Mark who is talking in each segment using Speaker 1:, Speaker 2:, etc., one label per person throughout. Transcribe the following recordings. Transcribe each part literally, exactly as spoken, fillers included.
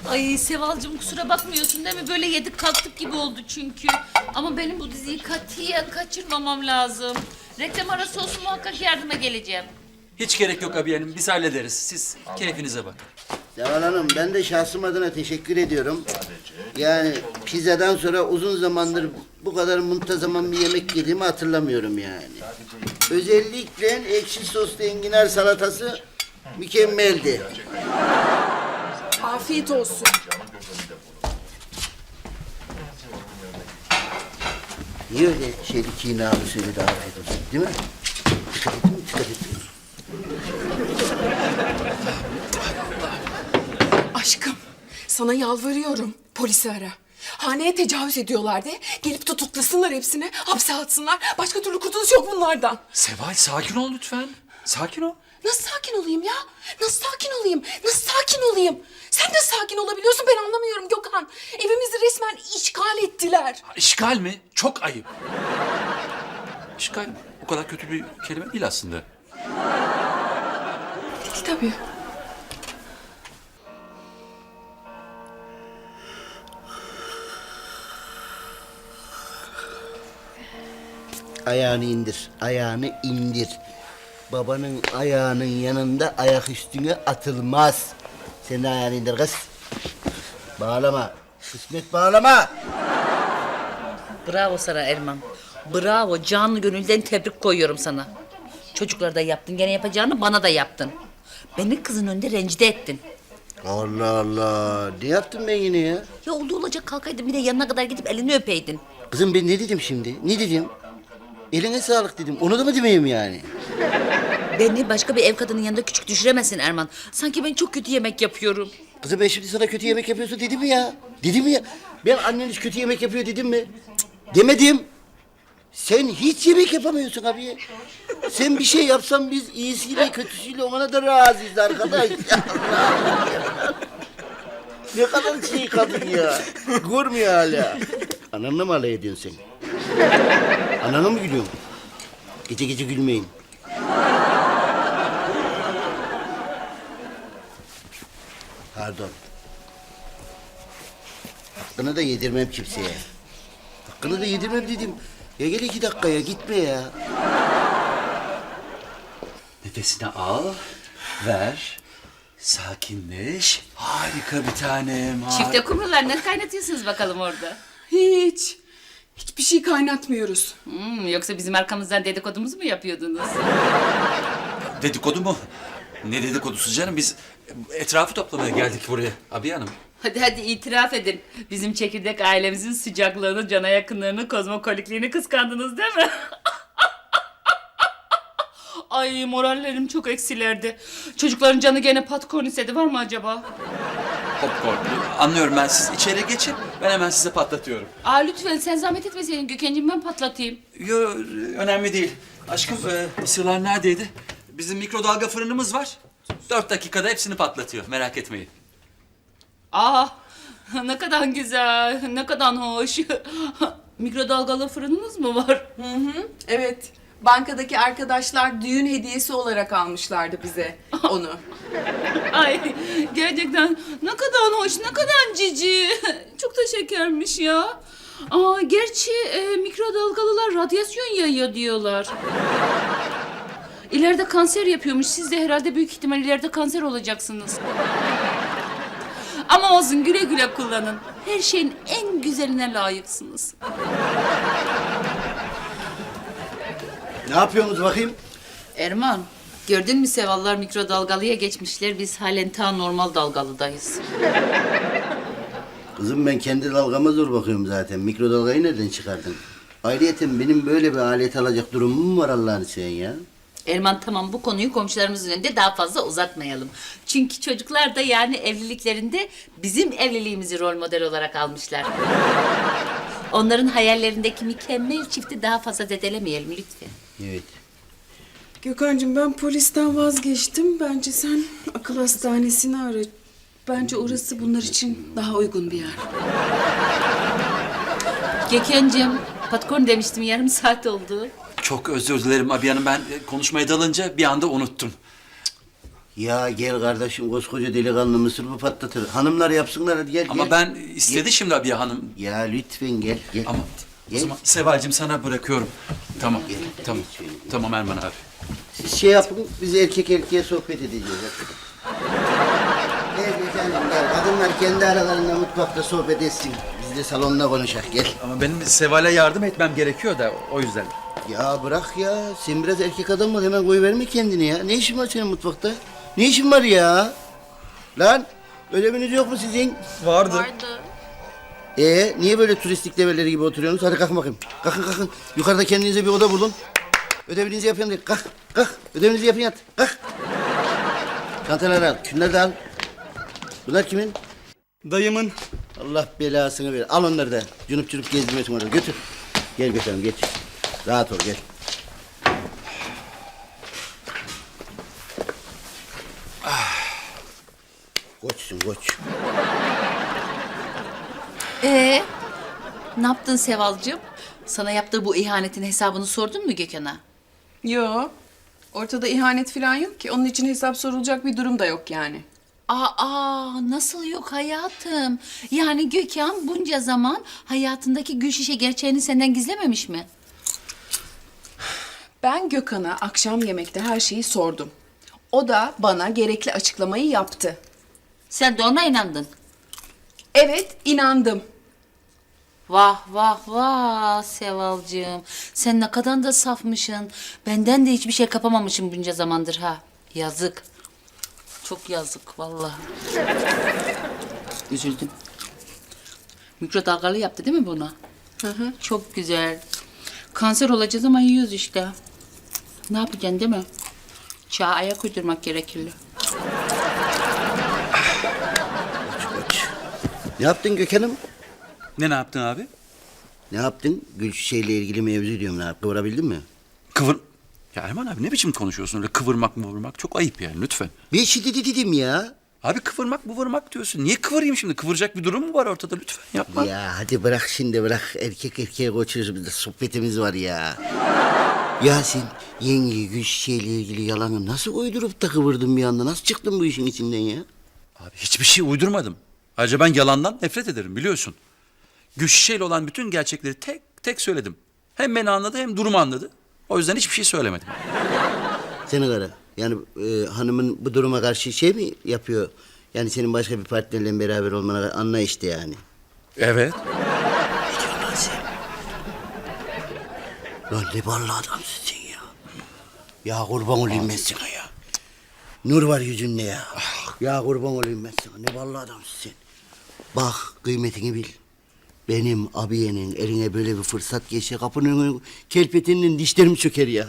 Speaker 1: Ay Sevalcığım kusura bakmıyorsun değil mi? Böyle yedik kalktık gibi oldu çünkü. Ama benim bu diziyi katiyen kaçırmamam lazım. Reklam arası olsun muhakkak yardıma geleceğim.
Speaker 2: Hiç gerek yok abi hanım. Biz hallederiz. Siz keyfinize bakın.
Speaker 3: Seval Hanım, ben de şahsım adına teşekkür ediyorum. Yani pizzadan sonra uzun zamandır bu kadar muntazaman bir yemek yediğimi hatırlamıyorum yani. Özellikle ekşi soslu enginar salatası mükemmeldi.
Speaker 4: Afiyet olsun.
Speaker 3: Niye öyle şeyli kinalı söyledi afiyet olsun, değil mi? Dikkat ettin mi? Dikkat ettin mi?
Speaker 4: Aşkım, sana yalvarıyorum. Polisi ara. Haneye tecavüz ediyorlar de. Gelip tutuklasınlar hepsini, hapse atsınlar. Başka türlü kurtuluş yok bunlardan.
Speaker 2: Seval sakin ol lütfen. Sakin ol.
Speaker 4: Nasıl sakin olayım ya? Nasıl sakin olayım? Nasıl sakin olayım? Sen de sakin olabiliyorsun, ben anlamıyorum Gökhan. Evimizi resmen işgal ettiler.
Speaker 2: İşgal mi? Çok ayıp. İşgal o kadar kötü bir kelime değil aslında.
Speaker 4: Değil tabii.
Speaker 3: Ayağını indir, ayağını indir. Babanın ayağının yanında ayak üstüne atılmaz. Sen de ayağını indir kız. Bağlama. Kısmet bağlama.
Speaker 1: Bravo sana Erman. Bravo, canlı gönülden tebrik koyuyorum sana. Çocuklara da yaptın, gene yapacağını bana da yaptın. Beni kızın önünde rencide ettin.
Speaker 3: Allah Allah. Ne yaptım ben yine ya?
Speaker 1: Ya oldu olacak kalkaydın bir de yanına kadar gidip elini öpeydin.
Speaker 3: Kızım ben ne dedim şimdi? Ne dedim? Eline sağlık dedim. Onu da mı demeyeyim yani?
Speaker 1: Beni başka bir ev kadının yanında küçük düşüremezsin Erman. Sanki ben çok kötü yemek yapıyorum.
Speaker 3: Kızım ben şimdi sana kötü yemek yapıyorsun dedim mi ya? Dedim mi ya? Ben anneniz kötü yemek yapıyor dedim mi? Cık, demedim. Sen hiç yemek yapamıyorsun abi. Sen bir şey yapsan biz iyisiyle kötüsüyle ona da razıyız arkadaş. Ne kadar şey kadın ya. Görmüyor hala. Ananla mı alay ediyorsun sen? Anana mı gülüyorsun? Gece gece gülmeyin. Pardon. Hakkını da yedirmem kimseye. Hakkını da yedirmem dedim. Ya gel iki dakikaya gitme ya.
Speaker 2: Nefesini al, ver, sakinleş. Harika bir tanem. har-
Speaker 1: Çifte kumrular ne kaynatıyorsunuz bakalım orada?
Speaker 4: Hiç. Hiçbir şey kaynatmıyoruz.
Speaker 1: Hmm, yoksa bizim arkamızdan dedikodumuzu mu yapıyordunuz?
Speaker 2: Dedikodu mu? Ne dedikodusu canım? Biz etrafı toplamaya geldik buraya abi hanım.
Speaker 1: Hadi hadi itiraf edin. Bizim çekirdek ailemizin sıcaklığını, cana yakınlığını, kozmokolikliğini kıskandınız değil mi? Ay morallerim çok eksilerdi. Çocukların canı gene popcorn istedi. Var mı acaba?
Speaker 2: Popcorn. Anlıyorum ben. Siz içeri geçin. Ben hemen size patlatıyorum.
Speaker 1: Aa lütfen sen zahmet etmeseydin Gökhan'cığım, ben patlatayım.
Speaker 2: Yo, önemli değil. Aşkım e, mısırlar neredeydi? Bizim mikrodalga fırınımız var. Dört dakikada hepsini patlatıyor. Merak etmeyin.
Speaker 1: Aa ne kadar güzel, ne kadar hoş. Mikrodalgalı fırınınız mı var?
Speaker 4: Hı hı, evet. Bankadaki arkadaşlar düğün hediyesi olarak almışlardı bize onu.
Speaker 1: Ay gerçekten ne kadar hoş, ne kadar cici. Çok da şekermiş ya. Aa, gerçi e, mikrodalgalılar radyasyon yayıyor diyorlar. İleride kanser yapıyormuş. Siz de herhalde büyük ihtimal ileride kanser olacaksınız. Ama olsun, güle güle kullanın. Her şeyin en güzeline layıksınız.
Speaker 3: Ne yapıyorsunuz bakayım?
Speaker 1: Erman, gördün mü Sevallar mikrodalgalıya geçmişler. Biz halen ta normal dalgalıdayız.
Speaker 3: Kızım ben kendi dalgama zor bakıyorum zaten. Mikrodalgayı nereden çıkardın? Ayrıyeten benim böyle bir alet alacak durumum mu var Allah'ını seven ya?
Speaker 1: Erman tamam, bu konuyu komşularımızın önünde daha fazla uzatmayalım. Çünkü çocuklar da yani evliliklerinde bizim evliliğimizi rol model olarak almışlar. Onların hayallerindeki mükemmel çifti daha fazla zedelemeyelim lütfen.
Speaker 3: Evet.
Speaker 4: Gökhan'cığım ben polisten vazgeçtim. Bence sen akıl hastanesini ara. Bence orası bunlar için daha uygun bir yer.
Speaker 1: Gökhan'cığım, popcorn demiştim, yarım saat oldu.
Speaker 2: Çok özür dilerim abi hanım. Ben konuşmaya dalınca bir anda unuttum.
Speaker 3: Ya gel kardeşim, koskoca delikanlı mısır mı patlatır? Hanımlar yapsınlar, hadi gel
Speaker 2: Ama
Speaker 3: gel.
Speaker 2: ben istedi şimdi Abiye Hanım.
Speaker 3: Ya lütfen gel gel.
Speaker 2: Ama o
Speaker 3: Gel.
Speaker 2: zaman Seval'cim sana bırakıyorum. Tamam, tamam.
Speaker 3: Gel.
Speaker 2: Tamam Erman abi.
Speaker 3: Siz şey yapın, biz erkek erkeğe sohbet edeceğiz. Gel efendim gel. Kadınlar kendi aralarında mutfakta sohbet etsin. Biz de salonda konuşak gel.
Speaker 2: Ama benim Seval'e yardım etmem gerekiyor da o yüzden.
Speaker 3: Ya bırak ya. Sen biraz erkek adam ol, hemen koyuverme kendini ya. Ne işin var senin mutfakta? Ne işin var ya? Lan ödeviniz yok mu sizin?
Speaker 2: Vardı.
Speaker 1: Vardı.
Speaker 3: Ee niye böyle turistik develeri gibi oturuyorsunuz? Hadi kalkın bakayım. Kalkın kalkın. Yukarıda kendinize bir oda bulun. Ödevinizi yapın hadi. Kalk kalk. Ödevinizi yapın hadi. Kalk. Çantaları al. Şunları da al. Bunlar kimin?
Speaker 5: Dayımın.
Speaker 3: Allah belasını ver. Al onları da. Cunup cunup gezdirmesin orada. Götür. Gel götürelim geç. Rahat ol gel. Ah. Koçsun koç.
Speaker 1: Ee, ne yaptın Sevalcığım? Sana yaptığı bu ihanetin hesabını sordun mu Gökhan'a?
Speaker 4: Yo. Ortada ihanet falan yok ki. Onun için hesap sorulacak bir durum da yok yani.
Speaker 1: Aa, nasıl yok hayatım? Yani Gökhan bunca zaman hayatındaki gül şişe gerçeğini senden gizlememiş mi?
Speaker 4: Ben Gökhan'a akşam yemekte her şeyi sordum. O da bana gerekli açıklamayı yaptı.
Speaker 1: Sen de ona inandın.
Speaker 4: Evet, inandım.
Speaker 1: Vah vah vah Sevalcığım. Sen ne kadar da safmışsın. Benden de hiçbir şey kapamamışım bunca zamandır ha. Yazık. Çok yazık vallahi. Üzüldüm. Mikrodalgalı yaptı değil mi bunu?
Speaker 4: Hı hı.
Speaker 1: Çok güzel. Kanser olacağız ama yiyoruz işte. Ne yapacaksın değil mi? Çağa ayak uydurmak gerekirli.
Speaker 3: Koç. Ne yaptın Gökhan'ım?
Speaker 2: Ne ne yaptın abi?
Speaker 3: Ne yaptın? Gül şişeyle ilgili mevzu diyorum. Ne yaptın? Kıvırabildin mi?
Speaker 2: Kıvır... Ya Erman abi ne biçim konuşuyorsun öyle kıvırmak mıvırmak? Çok ayıp yani lütfen.
Speaker 3: Bir şey dedi dedim ya.
Speaker 2: Abi kıvırmak mıvırmak diyorsun. Niye kıvırayım şimdi? Kıvıracak bir durum mu var ortada? Lütfen yapma.
Speaker 3: Ya hadi bırak şimdi bırak. Erkek erkeğe koçuyoruz, biz de sohbetimiz var ya. Yasin, yenge gül şişeyle ilgili yalanı nasıl uydurup da kıvırdın bir anda? Nasıl çıktın bu işin içinden ya?
Speaker 2: Abi hiçbir şey uydurmadım. Ayrıca ben yalandan nefret ederim biliyorsun. Gülşişe'yle olan bütün gerçekleri tek tek söyledim. Hem beni anladı hem durumu anladı. O yüzden hiçbir şey söylemedim.
Speaker 3: Seni kara. Yani e, hanımın bu duruma karşı şey mi yapıyor? Yani senin başka bir partnerle beraber olmana anla işte yani.
Speaker 2: Evet.
Speaker 3: Ne diyorsun lan sen? Lan ne ballı adamsın sen ya. Ya kurban olayım ben sana ya. Nur var yüzünde ya. Ya kurban olayım ben sana. Ne ballı adamsın sen. Bak kıymetini bil. Benim abiyenin eline böyle bir fırsat geçse kapının önüne kelpetinin dişlerim çöker ya.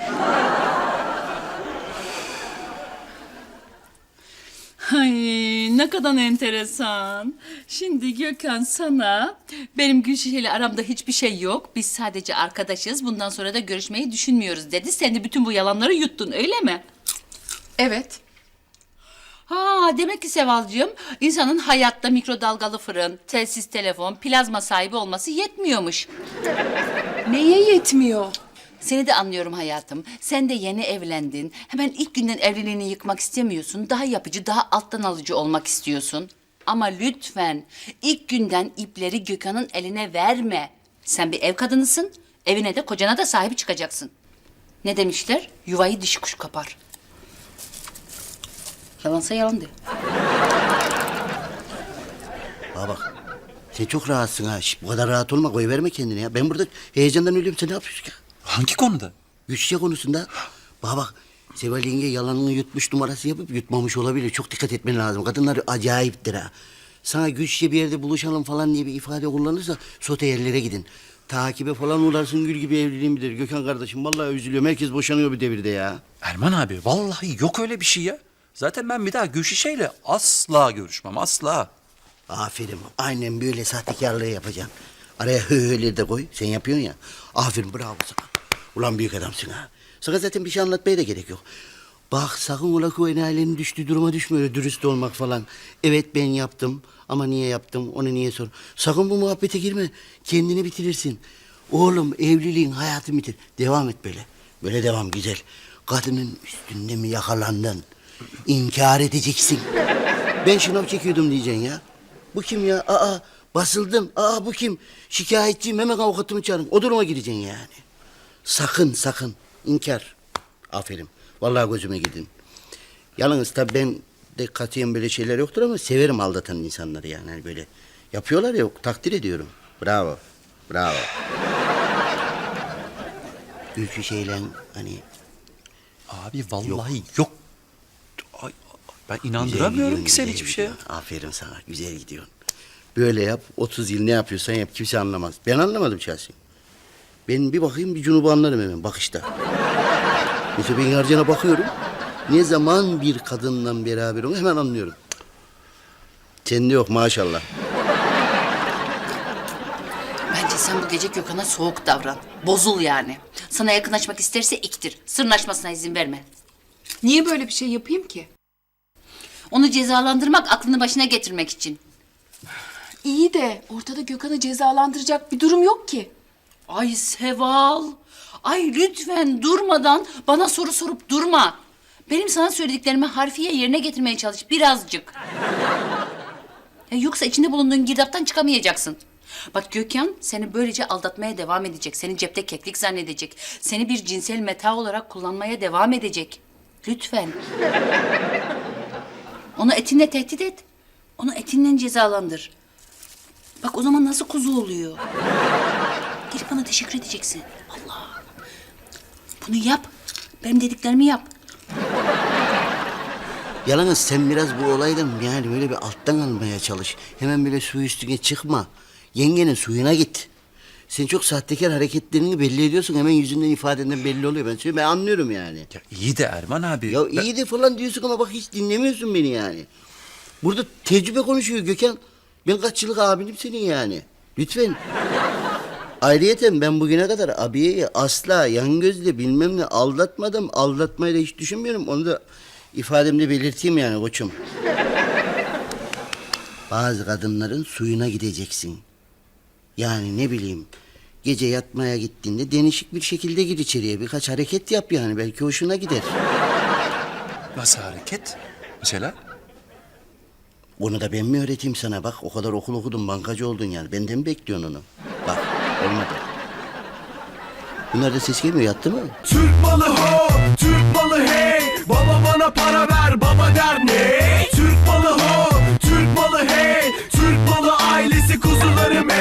Speaker 1: Ay ne kadar enteresan. Şimdi Gökhan sana benim Gülşişe ile aramda hiçbir şey yok. Biz sadece arkadaşız. Bundan sonra da görüşmeyi düşünmüyoruz dedi. Sen de bütün bu yalanları yuttun öyle mi?
Speaker 4: Evet.
Speaker 1: Ha demek ki Sevalcığım insanın hayatta mikrodalgalı fırın, telsiz telefon, plazma sahibi olması yetmiyormuş.
Speaker 4: Neye yetmiyor?
Speaker 1: Seni de anlıyorum hayatım. Sen de yeni evlendin. Hemen ilk günden evliliğini yıkmak istemiyorsun. Daha yapıcı, daha alttan alıcı olmak istiyorsun. Ama lütfen ilk günden ipleri Gökhan'ın eline verme. Sen bir ev kadınısın. Evine de kocana da sahibi çıkacaksın. Ne demişler? Yuvayı dişi kuş kapar. Yalansa yalan de.
Speaker 3: Bana bak. Sen çok rahatsın ha. Şş, bu kadar rahat olma. Koyuverme kendini ya. Ben burada heyecandan ölüyorum. Sen ne yapıyorsun ya?
Speaker 2: Hangi konuda?
Speaker 3: Güçlü konusunda. Bana bak. Seval yenge yalanını yutmuş numarası yapıp yutmamış olabilir. Çok dikkat etmen lazım. Kadınlar acayiptir ha. Sana güçlü bir yerde buluşalım falan diye bir ifade kullanırsa sote yerlere gidin. Takibe falan uğrarsın, gül gibi evliliğin bilir. Gökhan kardeşim vallahi üzülüyorum. Herkes boşanıyor bir devirde ya.
Speaker 2: Erman abi vallahi yok öyle bir şey ya. Zaten ben bir daha Gülşişe'yle asla görüşmem asla.
Speaker 3: Aferin. Aynen böyle sahtekarlığı yapacaksın. Araya hı hı'leri de koy. Sen yapıyorsun ya. Aferin bravo sana. Ulan büyük adamsın ha. Sana zaten bir şey anlatmaya da gerek yok. Bak sakın ola ki o enayilerin düştüğü duruma düşme öyle dürüst olmak falan. Evet ben yaptım ama niye yaptım onu niye sor. Sakın bu muhabbete girme. Kendini bitirirsin. Oğlum evliliğin hayatı bitir. Devam et böyle. Böyle devam güzel. Kadının üstünde mi yakalandın? İnkar edeceksin. Ben şınav çekiyordum diyeceksin ya. Bu kim ya? Aa basıldım. Aa bu kim? Şikayetçiyim, hemen avukatımı çağırın. O duruma gireceksin yani. Sakın sakın. İnkar. Aferin. Vallahi gözüme girdin. Yalnız tabii ben de katiyen böyle şeyler yoktur ama severim aldatan insanları yani. Hani böyle yapıyorlar ya, takdir ediyorum. Bravo. Bravo. Ülkü şeyle hani
Speaker 2: Abi vallahi yok. Ay, ben
Speaker 3: güzel
Speaker 2: inandıramıyorum
Speaker 3: gidiyorsun,
Speaker 2: ki sen
Speaker 3: güzel
Speaker 2: hiçbir şeye.
Speaker 3: gidiyorsun. Aferin sana, güzel gidiyorsun. Böyle yap, otuz yıl ne yapıyorsan yap, kimse anlamaz. Ben anlamadım şahsen. Ben bir bakayım, bir Cunub'u anlarım hemen bakışta. Mesela ben Yarcan'a bakıyorum. Ne zaman bir kadınla beraber onu hemen anlıyorum. Sende yok maşallah.
Speaker 1: Bence sen bu gece Gökhan'a soğuk davran. Bozul yani. Sana yakınlaşmak isterse iktir. Sırnaşmasına izin verme.
Speaker 4: Niye böyle bir şey yapayım ki?
Speaker 1: Onu cezalandırmak, aklını başına getirmek için.
Speaker 4: İyi de ortada Gökhan'ı cezalandıracak bir durum yok ki.
Speaker 1: Ay Seval. Ay lütfen durmadan bana soru sorup durma. Benim sana söylediklerimi harfiye yerine getirmeye çalış birazcık. Ya yoksa içinde bulunduğun girdaptan çıkamayacaksın. Bak Gökhan seni böylece aldatmaya devam edecek. Seni cepte keklik zannedecek. Seni bir cinsel meta olarak kullanmaya devam edecek. Lütfen. Onu etinle tehdit et. Onu etinle cezalandır. Bak o zaman nasıl kuzu oluyor. Gelip bana teşekkür edeceksin. Allah. Bunu yap. Benim dediklerimi yap.
Speaker 3: Yalnız sen biraz bu olaydan yani böyle bir alttan almaya çalış. Hemen böyle su üstüne çıkma. Yengenin suyuna git. Sen çok sahtekar hareketlerini belli ediyorsun. Hemen yüzünden, ifadenden belli oluyor. Ben söyleyeyim, ben anlıyorum yani.
Speaker 2: Ya iyi de Erman abi.
Speaker 3: Ya
Speaker 2: ben-
Speaker 3: iyi de falan diyorsun ama bak hiç dinlemiyorsun beni yani. Burada tecrübe konuşuyor Gökhan. Ben kaç yıllık abinim senin yani. Lütfen. Ayrıyeten ben bugüne kadar abiyeyi asla yan gözle bilmem ne aldatmadım. Aldatmayı da hiç düşünmüyorum. Onu da ifademde belirteyim yani koçum. Bazı kadınların suyuna gideceksin. Yani ne bileyim, gece yatmaya gittiğinde denişik bir şekilde gir içeriye. Birkaç hareket yap yani, belki hoşuna gider.
Speaker 2: Nasıl hareket? Mesela?
Speaker 3: Onu da ben mi öğreteyim sana? Bak o kadar okul okudun, bankacı oldun yani. Benden mi bekliyorsun onu? Bak olmadı. Bunlar da ses gelmiyor, yattı mı?
Speaker 5: Türk malı ho, Türk malı hey. Baba bana para ver, baba der